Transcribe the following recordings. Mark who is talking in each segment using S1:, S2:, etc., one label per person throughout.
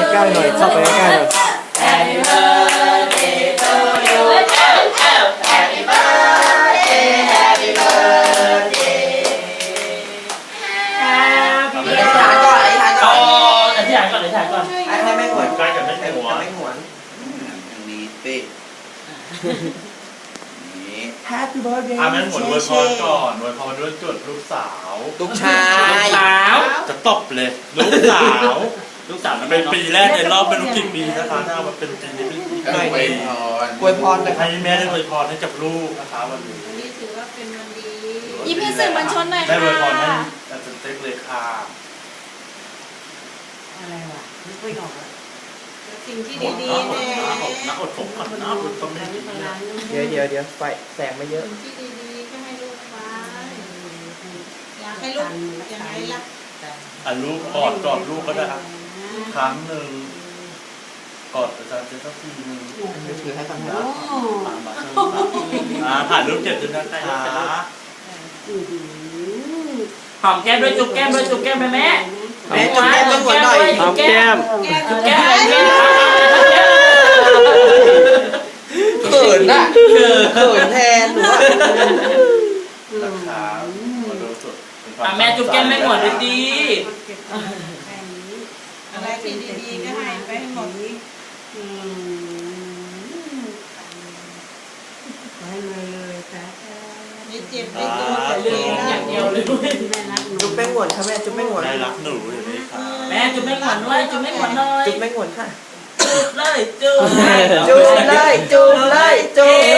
S1: ใกล้ๆหน่อยเข้าไปใกล้ๆหน่อย
S2: Happy birthday to you Happy birthday Happy birthday
S3: อธิษฐานก่อนอธิษฐานก่อน
S2: อธิษฐานก่อน
S3: ให้แม่หวน
S4: ใกล้กับแม่หวน
S3: แม่หวน
S5: ทางนี้สินี่
S3: Happy birthday
S4: แม่หวนอวยพรก่อนอวยพรด้วยจุดลูกสาว
S3: ลูกชาย
S4: จะตบเลยลูกสาวเป็นปีแรกในรอบไม่รู้กี่ปีนะคะถ้ามาเป็นปีนี้เป็นปี
S5: ก็อวยพร
S3: อวยพรนะครั
S4: ให้
S3: บ
S4: แม่ได้อวยพรให้กับลูกนะคะวันนี้
S6: วันนี้ถือว่าเป็นวันดี
S7: ยิ้มให้สื่อมวลชนหน่อย
S4: ได้
S7: ค่ะ
S4: อวยพรให้อาจารย์เต็กเลยค่ะ
S8: อะไรวะนึกไม่ออกอะ
S6: สิ่งที่ดีๆเนี่ย
S4: น้าอดผมก่อนน้าอดต้องไม่ดีนะ
S3: เดี๋ยวไฟแสงไม่เยอะ
S6: สิ่งที่ดีๆก็ให้ลูกไปอยากให้ลูกอย่างไรล่ะ
S4: ลูกกอดลูกก็ได้ครับครั้งหนึ่งกอดอาจารย์เต็กสักทีนึง
S3: ถือให้ก่อนนะ
S4: ถ่ายรูปเก็บด้วยนะคะ
S2: หอมแก้มด้วยจุ๊บแก้มด้วยจุ๊บแก้มไปแม่
S3: แม่จุ๊บแก้มแม่หวนหน่อย
S1: หอมแก้ม
S2: จุ๊บแก้มแก้ม
S3: เขินน่ะเขินแทนหนูอะ
S4: นะคะมาดูสุด
S2: แม่จุ๊บแก้มแม่หมดดี
S6: อะไรที่ดีๆก็ให้ไปให้หมด
S8: ขอให้เลยจ้า
S6: ไม่เจ็บไม่ตัว
S2: ๆเรื่องอย่างเดียวเลย
S8: แม่รักหนู
S3: จุ๊บแม่หวนค่ะแม่จุ๊บแม่หวน
S4: ได้รักหนูอยู่นี่ค่ะ
S2: แม่จุ๊บแม่หมดเลยจุ๊บแม่หมดเลย
S3: จุ๊บแม่หวนค่ะ
S2: จุ๊บเลยจุ๊บ
S3: จุ๊บเลยจุ๊บเลยจุ๊บ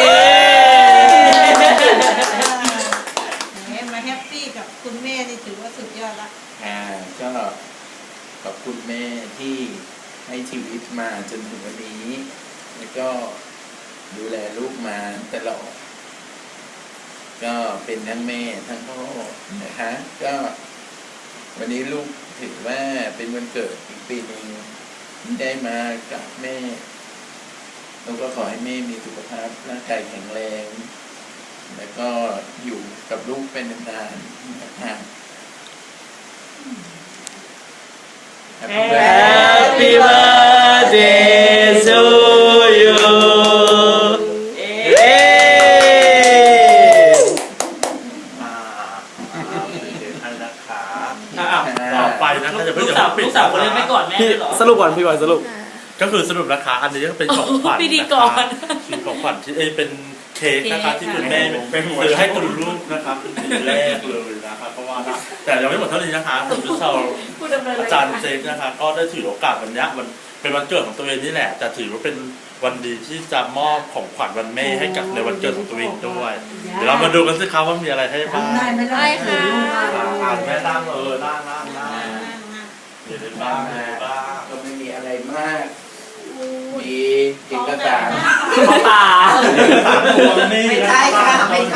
S6: มาแฮปปี้กับคุณแม่นี่ถือว่าสุดยอดละ
S5: ก็ขอบคุณแม่ที่ให้ชีวิตมาจนถึงวันนี้ แล้วก็ดูแลลูกมาตลอด ก็เป็นทั้งแม่ทั้งพ่อนะคะ ก็วันนี้ลูกถือว่าเป็นวันเกิดอีกปีหนึ่งที่ได้มากับแม่แล้วก็ขอให้แม่มีสุขภาพร่างกายแข็งแรง แล้วก็อยู่กับลูกเป็นนานๆนะคะ
S1: Happy birthday to you
S4: อันนะคะต่อไปนะคะจะเพิ่ง
S2: ลูก
S4: จะ
S2: สาว
S4: ปิด
S2: ลูกสาวคนเล็กไม่กอดแม่
S1: พี่
S2: หรอ
S1: สรุปก่อนพี่ก่อนสรุป
S4: ก็คือสรุปนะคะอันนี้ก็เป็นของขวัญ
S2: พิธีกร
S4: เป็นของขวัญที่เป็นเค้กนะคะที่คุณแม่ซื้อให้คุณลูกนะคะเป็นปีแรกเลยนะคะเพราะว่าแต่ยังไม่หมดเท่านี้นะคะผมจะเช่า
S2: ผู้ดำเนิน
S4: อาจารย์เจคนะคะก็ได้ถือโอกาสวันนี้มันเป็นวันเกิดของตัวเองนี่แหละแต่ถือว่าเป็นวันดีที่จะมอบของขวัญวันแม่ให้กับในวันเกิดของตัวเองด้วยเดี๋ยวเรามาดูกันสิครับว่ามีอะไรให้บ้าง
S8: ได้ไหมล่ะ
S7: ได้ค่ะ
S4: อ่านแม่นั่งนั่งเดี๋ยวได้บ้างมีอะไรบ้าง
S5: ก็ไม่มีอะไรมาก มีเอกสาร
S2: ขอตา
S4: สามตัวนี่
S3: ไม่
S4: นะ
S3: ใช่ค่ะไม่ใช่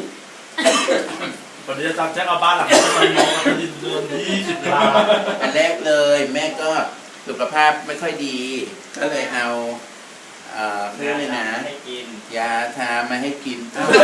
S4: วันนี้อาจารย์แจ็คเอาบ้านหลังนี้มามองกันที่เดือน20 ล้าน
S5: อันแรกเลยแม่ก็สุขภาพไม่ค่อยดี ก็เลยเอาเพื่อเลยนะยาทามาให้กิน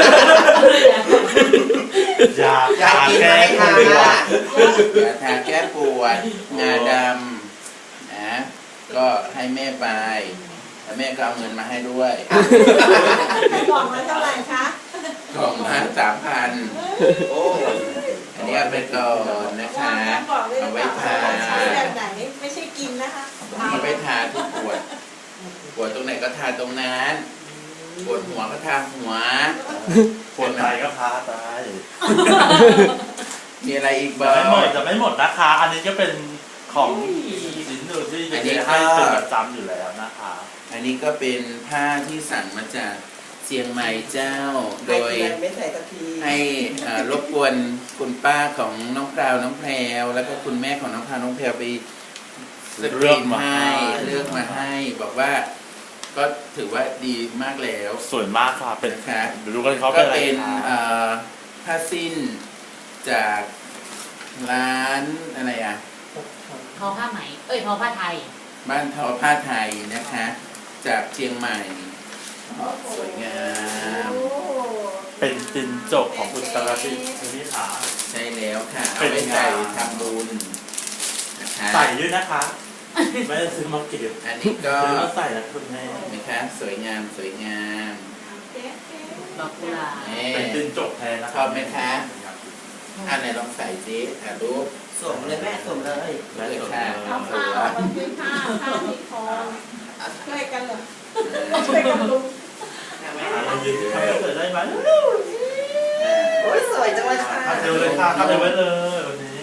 S4: ยา
S3: อยากกินไหมคะ
S5: ยาทาแก้ปวดงาดำนะก็ให้แม่ไปแล้วแม่ก็เอาเงินมาให้ด้วย
S6: กล่องละเท่าไหร่คะ
S5: กล่องละ3,000 โอ้อันนี้เอาไปก่อนนะคะ
S6: บอกเลย
S5: เอาไว้ทา
S6: ใช้แบบไหนไม่ใช่กินนะคะ
S5: เอาไว้ทาที่ปวดตรงไหนก็ทาตรงนั้นปวดหัวก็ทาหัว
S4: ปวดใจก็พาตาย
S5: มีอะไรอีก
S4: จะ
S5: บ้า
S4: ไม่
S5: ง
S4: หมดจะไม่หมดนะคะ อันนี้ก็เป็นของสินหนึ่งที่จะให้เป็นประจำอยู่แล้วนะคะ
S5: อันนี้ก็เป็นผ้าที่สั่งมาจากเชียงใหม่เจ้า โดย
S3: ไม่ใส่กะทิ
S5: ให้รบกวนคุณป้าของน้องพราวน้องแพรวแล้วก็คุณแม่ของน้องพราวน้องแพรวไปสกรีนให้เลือกมาให้ บอกว่าก็ถือว่าดีมากแล้ว
S4: สวยมากค่ะเป็น
S5: นะคะ
S4: ดูกันเขา
S5: ก็
S4: เป็นอะไร
S5: เป็น
S4: คะ
S5: ผ้าสิ้นจากร้านอะไรอ่ะ
S7: ทอผ้าไหมทอผ้าไทย
S5: บ้านทอผ้าไทยนะคะ จากเชียงใหม่สวยงาม
S4: เป็นจินจกของคุณตระสินี่ค่ะ
S5: ใช่แล้วค่ะ เอา
S4: เป็น
S5: ไว้
S4: ไง
S5: ใส่ทำบุญนะคะ
S4: ใส่ด้วยนะคะไม่ได้ซื้อมาเก็บ
S5: อันนี้ก็
S4: ซื้อมาใส่นะคุณแม่
S5: นะคะสวยงามสวยงาม
S7: ดอกกุหลาบ
S5: นี่
S4: เป็นจินจกแทนนะ
S5: ชอบไหมคะอันไหนลองใส่ดิรูป
S3: สวมเลยแม่สวมเลย
S5: เลยค่ะ
S6: เอาผ้าออกมาซื้อผ้าที่คอช่วยกันเหรอช่วยกันลุง
S4: เรายืนทำให้เกิดได้ไหม
S3: โอ้ยสวยจังเลยค่ะ
S4: ทำเร็วเลยค่ะทำเร็วไว้เลยวันนี้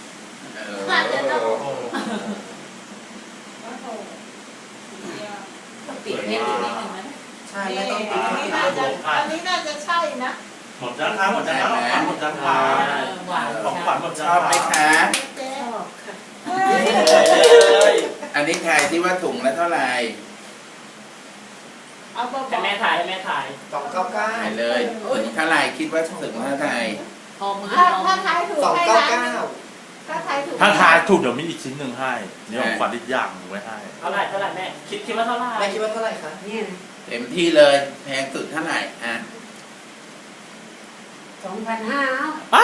S4: โอ้
S7: ต้องปิดเพชรอีกนิดนึงนะ
S3: ใช่แม่ต้อง
S6: อันนี้น่าจะใช่นะ
S4: หมดยังคะหมดยังคะหมดยังคะ
S7: หวาน
S4: ของขวัญหมดยัง
S5: ชอบไหมคะ
S6: เจ๊
S8: ชอบค่ะ
S5: อันนี้ทายที่ว่าถุงละเท่าไหร่
S6: เอาเบา
S2: ให้แม่ถ่ายให้แม่ถ่าย
S3: 299
S5: ทายเลยถุงเท่าไหร่คิดว่าถุงเท่าไหร่
S7: พอมือ
S6: ถ้า
S7: ลอง
S6: ทายถูกให้ร้าน
S3: 299
S6: ถ้าทายถูก
S4: ถ้าทายถูกเดี๋ยวมีอีกชิ้นหนึ่งให้นี่ของขวัญอีกอย่างหนึ่งไว้ให้
S2: เท่าไหร่แม่คิดว่าเท่าไหร่
S3: แม่คิดว่าเท่าไหร่คะ
S8: เนี่ยนะ
S5: เต็มที่เลยแพงสุดเท่าไหร่อ่ะ
S8: 2,500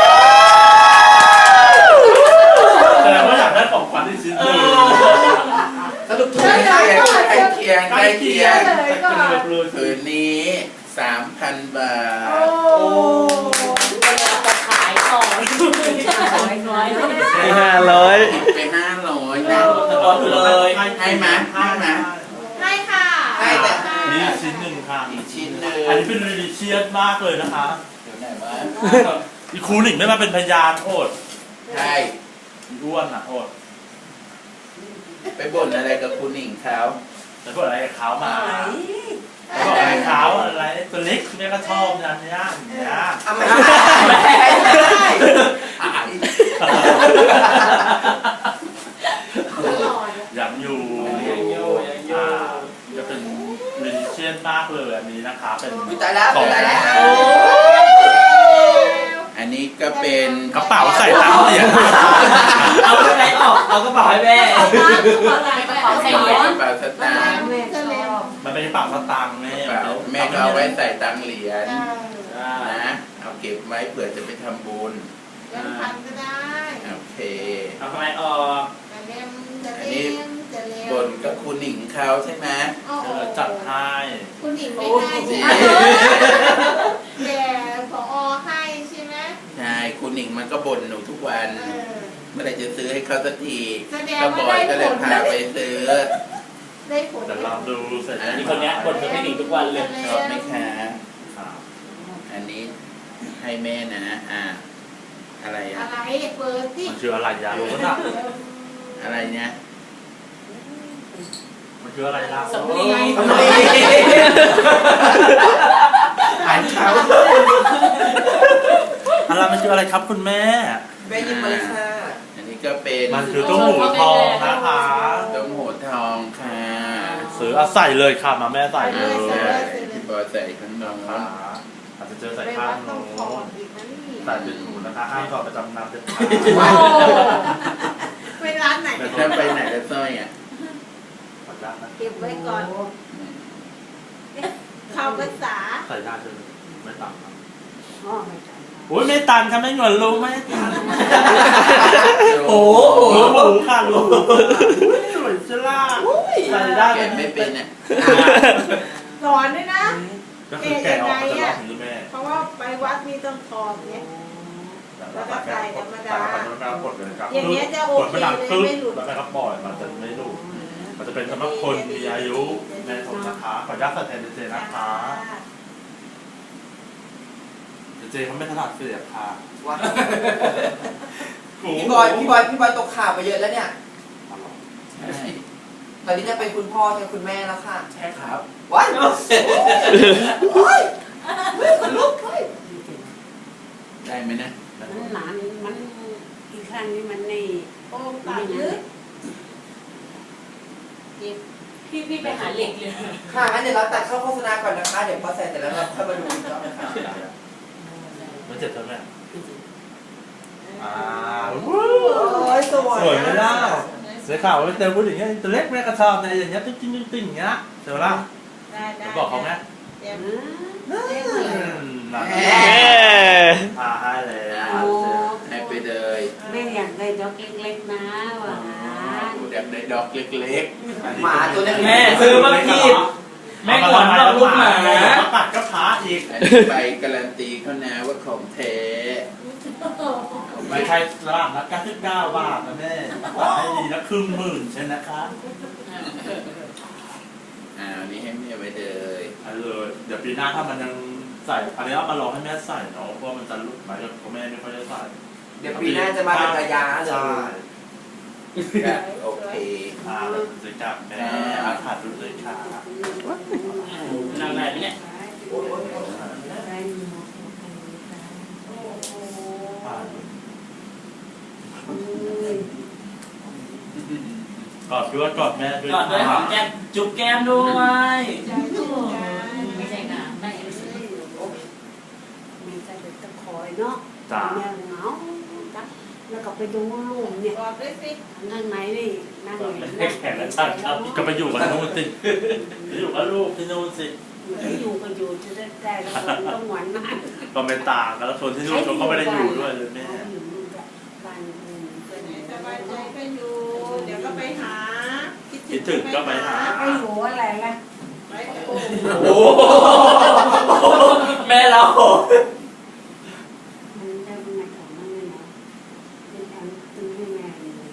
S4: แสดงว่าอยากได้ของขวัญอีกชิ้นหนึ่ง
S3: สรุปถูก
S5: ใก
S3: ไหมคะ
S5: ล้เคียงใกล้เคียง
S4: แต่ก็เลยเลย
S5: คืนนี้ 3,000 บา
S6: โอ้
S5: ท
S7: จะขายต่อน้อย
S1: ให้500
S5: คิดไป500นะ
S4: เลย
S5: ให้ไหมให้ไหม
S6: ให้ค่ะ
S5: ให้แต่
S4: นี่ชิ้นหนึ่งค่ะ
S5: อีกชิ้นหนึ่ง
S4: อันนี้เป็นรีลิเชียสมากเลยนะคะ
S5: เดี๋ยวไหนวะ
S4: อีครูหนิงไม่มาเป็นพยานโอด
S5: ใช่
S4: อีอ้วนอ่ะโอด
S5: ไปบ่นอะไรกับคุณหนิงเขา
S4: แต่พวกอะไรกับเขามาบอกอะไรเขาอะไรตัวเล็กแม่ก็ชอบอย่างเนี้ยอย่างเนี้ย
S3: เอาไม่ได้
S4: ยังอยู่จะเป็นรีลิเชียสมากเลยอันนี้นะคะเป็น
S3: อุ๊ยตายแล้วตายแล้ว
S5: อันนี้ก็เป็น
S4: กระเป๋าใส่ตังค์เหรียญ
S2: เอาไปไหนออกเอากระเป๋าให้แม่
S7: ไม่กระเป๋าใส่เหรียญ
S5: กระเป๋าสตางค์
S8: แม่ชอบ
S4: มันเป็นกระเป๋าสตางค์แม่
S5: กระเป๋าแม่ก็เอาไว้ใส่ตังค์เหรียญนะเอาเก็บไว้เผื่อจะไปทำบุญ
S6: ยังพันก็ได้
S5: โอเค
S2: เอาทำไมออก
S6: จะเล่มจะเล่มจะเล่ม
S5: บนก็คุณหนิงเขาใช่ไหม
S4: จัดให้
S6: คุณหญิงไม่ได้ใช่ไหมแต่ผอให้ใช่ไหม
S5: ใช่คุณหนิงมันก็บ่นหนูทุกวัน เมื่อไหร่จะซื้อให้เขาสักที
S6: แสดง
S5: ก็บ
S6: ว่า
S5: อย
S6: ได้
S5: ก็เลย
S6: ผล
S5: พาไปซื้อ
S6: ได้ผล
S4: เดี๋ยวลองดูเสร็จ
S2: นี่คนเนี้ยบ่นเธอไม่หนีทุกวันเลย
S5: ชอบไหมคะอันนี้ให้แม่นะอะไร
S6: อะ
S5: อ่ะ
S6: ไรเปิดที่
S4: มันคืออะไรยารู้นะ
S5: อะไรเนี่ย
S4: มันคืออะไรล่ะ
S7: สำลี
S5: อ่านเขา
S4: อะไรมันคืออะไรครับคุณแม่
S3: แม่ยิ้มมาเลยค่ะ
S5: อันนี้ก็เป็น
S4: มันคือตุ้มหูทองนะคะ
S5: ต้มหูทองค่ะ
S4: ซื้อใส่เลยค่ะมาแม่ใส่เลย
S5: ใช่พี่บอยใส่ข้างนอก
S4: นะคะอาจจะเจอใส่
S6: ไป
S4: ข้า
S6: วั
S4: ง
S6: ด
S4: โน้
S6: ต้องถอดอีกนะนี่
S4: ใส่เป็นหูนะคะห้ามถอดประจำนำเด็ดขา
S6: ไปร้านไหน
S5: แต่ถ้าไปไหนแล้วสร้อยอ่ะ
S4: ด
S6: เก็บไว้ก่อนเข้าภาษา
S4: ใส่ได้เลยไม่ต่างครับ
S8: อ๋อไม่ใช่
S4: โอ้ยไม่ตันค่ะไม่หงอนรู้ไหมตัน
S5: โอ้
S4: รู้หูค่ะรู้สวยชล่าใส่ได้
S5: แกะไม่เป็นอ่ะ
S6: สอนด้วยนะ
S4: ก็คือแกะออกมาจะล็อกอย่างนี้แม่
S6: เพราะว่าไปวัดมีต้องถอดเนี่ย แล้วก็ใส่ธรรมดา
S4: ใส่ธรรมดากดเลยครับ
S6: อย่างเงี้ยจะโอเค
S4: กดไม่ดังปึ๊บ
S6: ไม่หลุด
S4: แล้วแม่ก็ปล่อยมันจะไม่หลุดมันจะเป็นสำหรับคนมีอายุแม่ผมนะคะขออนุญาตใส่แทนเจนะคะเจเขาไม่ถนัดเสียบค่ะ
S3: ว้าพี่บอยตกข่าวไปเยอะแล้วเนี่ย
S5: ใช่
S3: ตอนนี้จะเป็นคุณพ่อจะคุณแม่แล้วค่ะ
S5: ใช่ครับ
S3: ว้ายโอ้ยคนลุกเฮ้ย
S5: ได้ไหมนะ
S8: มันหนานมันอีกครั้งนี้มันใน
S6: โอ้ตัดลึก
S7: พี่ไปหาเหล็กเลย
S3: ค่ะงั้นเดี๋ยวเราตัดเข้าโฆษณาก่อนนะคะ เดี๋ยวพอเสร็จเสร็จแล้วเราค่อยมาดูอีกรอบนะคะ
S4: มันเจ็บใช่ไหมอ่า
S3: โอ้ยสวย
S4: สวยไหมล่ะเสียข่าวว่าเจอผู้หญิงตัวเล็กแม่กระชอบในอย่างเงี้ยติ๊งติ๊งติ๊งอย่างเงี้ยเจอล่ะ
S6: ได้
S4: บอกเขาไหม
S6: เดี๋ยว
S4: ให้เลย
S1: เย้
S4: ให้ไป
S5: ไปเลย
S8: แม่อยากได้ดอกเล็กๆนะหวาน
S5: อยากได้ดอกเล็ก
S3: หมาตัวเล็กๆ
S2: แม่ซื้อมาผิดแม่ขวัญเราลูกหมา
S4: มาตัดก็พาอีก
S5: ๆอันนี้ไปการันตีเขานะว่าของแท้
S4: ไม่ใช่ร้านละ99 บาทนะแม่ตัดให้ดีละ10,000ใช่นะคะ
S5: อันนี้ให้แม่ไปเลย
S4: อันเลยเดี๋ยวปีหน้าถ้ามันยังใส่อันนี้เอามาลองให้แม่ใส่เนาะเพราะว่ามันจะหลุดไหมเพราะแม่ไม่ค่อยได้ใส่
S3: เดี๋ยวปีหน้าจะมาเป็นระยะเล
S4: ใช่
S3: ย
S5: ก็โอเค
S4: เลยจับแม่อาถรรพ์ดูเลยค่ะ
S2: นางไหนเนี่ย
S4: กอดด้วยกอดแม่ด้วย
S2: กอดด้วยหอมแก้มจุ๊บแก้มด้วย
S6: ใจชุ่มกัน
S7: ไม่ใช่งานได้
S8: มีใจเด็กตะคอยเนาะ
S4: จ้า
S8: แม่เหงาจักแล้วก็ไปดูลูกเนี่ย
S6: บอกด้วยสิ
S8: นั่งไหนนี่นั่งไหน
S2: ให้แข่งกันชัดครับ
S4: ก็ไปอยู่กับนู่นสิไปอยู่กับลูกที่นู่นสิ
S8: อยู่ก็อยู่จะได้แล้วต้องหวานมาก
S4: ก็ไม่ต่างกันแล้วคนที่นู่นเขาก็ไม่ได้อยู่ด้วยเลยแม่
S8: บ้านอื่น
S6: ไปไหนสบายใจก็อยู่ เดี๋ยวก็ไปหา
S4: คิดถึงก็ไปหา
S8: ไปอยู่อะไรล่ะ
S6: ไปโอ้
S2: โอ้แม่เรา
S8: มันได้เป็นไงของมันเนี่ยนะเป็นอันตึงให้แม่เลย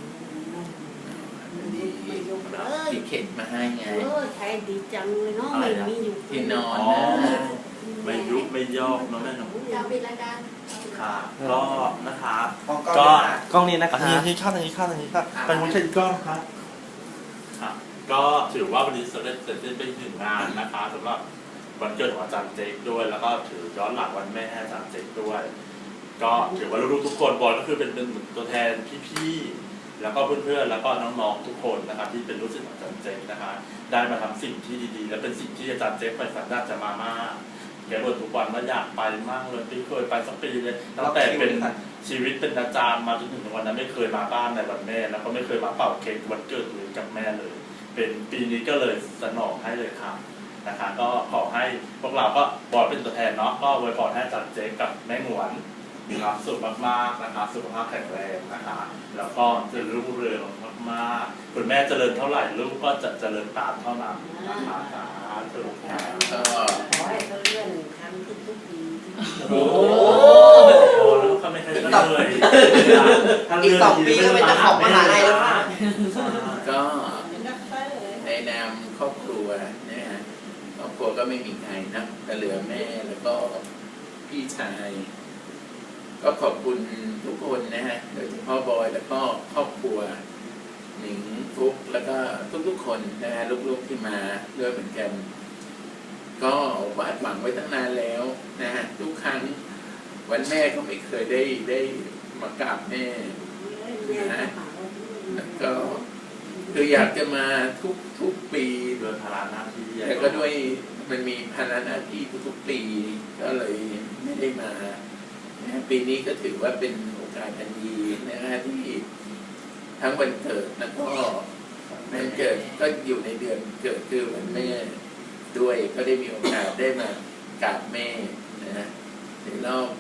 S8: ไม่ยกเลย
S5: ที่เข็นมาให้ไง
S8: ใช้ดีจังเลยเนาะไม่มีอยู่
S5: ที่นอน
S4: อ๋อ
S5: นะ
S4: ไม่ยุบไม่ยอกเนาะแม่เนาะ
S7: อยากปิดรายการ
S4: ค่ะก็นะคะ
S3: กล้อง
S4: ก็
S1: กล้องนี้นะค
S4: อั
S1: รั
S4: น
S1: บ
S4: นี้ข้างนี้ข้างนี้ค่ะเป็นมุ้งเช่นกล้องครับค่ะก็ถือว่าวันนี้เสร็จสิ้นไปถึงงานนะคะสำหรับวันเกิดของอาจารย์เจคด้วย แล้วก็ถือย้อนหลังวันแม่ให้อาจารย์เจคด้วย ก็ถือว่าลูกๆทุกคนบอยก็คือเป็นเหมือนตัวแทนพี่ๆแล้วก็เพื่อนๆแล้วก็น้องๆทุกคนนะครับที่เป็นลูกศิษย์ของอาจารย์เจคนะคะได้มาทำสิ่งที่ดีๆ และเป็นสิ่งที่อาจารย์เจคไปฝันอยากจะมามากแกบ่นทุกวันว่าอยากไปมากเลยไม่เคยไปสักปีเลยตั้งแต่เป็นชีวิตเป็นอาจารย์มาจนถึงวันนั้นไม่เคยมาบ้านในวันแม่แล้วก็ไม่เคยมาเป่าเค้กวันเกิดเลยกับแม่เลย เป็นปีนี้ก็เลยสนองให้เลยครับนะคะก็ขอให้พวกเราก็บอยเป็นตัวแทนเนาะก็อวยพรให้อาจารย์เจคกับแม่หงวนมีความสุขมากๆนะคะสุขภาพแข็งแรงนะคะแล้วก็เจริญรุ่งเรืองมากๆคุณแม่เจริญเท่าไหร่ลูกก็จะเจริญตามเท่านั้นนะคะสาธุค่ะ
S5: ก็
S8: ขอให้เขาเลื่อนทำทุกปี
S4: โอ้โหแล้วก็ไม่เคยเลย
S3: อีก2 ปีก็เป็นเจ้าของมหาลัยแล้วค่ะ
S5: ก็
S6: เป็นด็อกเตอร์
S5: ในนามครอบครัวนะฮะครอบครัวก็ไม่มีใครนะแต่เหลือแม่แล้วก็พี่ชาย ก็ขอบคุณทุกคนนะฮะโดยเฉพาะบอยแล้วก็ครอบครัวหนิงฟุกแล้วก็ทุกๆคนนะฮะลูกๆที่มาด้วยเหมือนกัน ก็วาดหวังไว้ตั้งนานแล้วนะฮะทุกครั้งวันแม่ก็ไม่เคยได้มากราบแม่นะแล้วก็คืออยากจะมาทุกปี
S4: เดินพาราหน้าที่
S5: แต่ก็ด้วยมันมีภาระหน้าที่ทุกๆปีก็เลยไม่ได้มานะปีนี้ก็ถือว่าเป็นโอกาสอันดีนะฮะที่ทั้งวันเกิดแล้วก็วันเกิดก็อยู่ในเดือนเกิดคือวันแม่ด้วยก็ได้มีโอกาสได้มากราบแม่นะในรอบ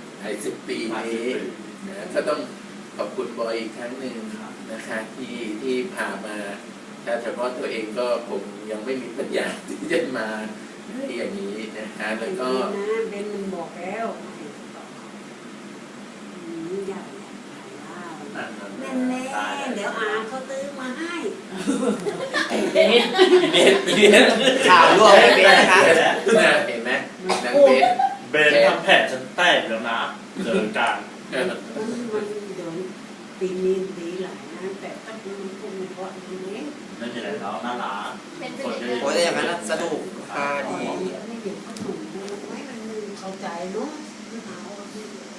S5: 50 ปีนี้นะก็ต้องขอบคุณบอยอีกครั้งหนึ่งนะคะที่พามาถ้าเฉพาะตัวเองก็ผมยังไม่มีปัญญาที่จะมาอย่างนี้นะคะแล้วก็
S8: เบนมันบอกแล้วอยากแน่แน่เดี๋ยวอาเขาตื้อมาให้
S2: เบส
S3: ข่าวร่วมไม่เป็นนะคะ
S5: เห็นไหมนางเบส
S4: เบนทำแผนฉันแตกแล้วนะเจอกัน
S8: มันเดี๋ยวปีนี้ดีหลายนะแต่ถ้ามันคงไม่เพราะอย่างนี้
S4: ไม่มีอะไรแล้วน่ารัก
S7: เป็น
S4: คนก็
S3: โอ้ยแต่อย่างนั้นน่ะสนุกค่ะดี
S8: ไม่เดี๋ยวก็ถูกไว้มันเข้าใจเนาะ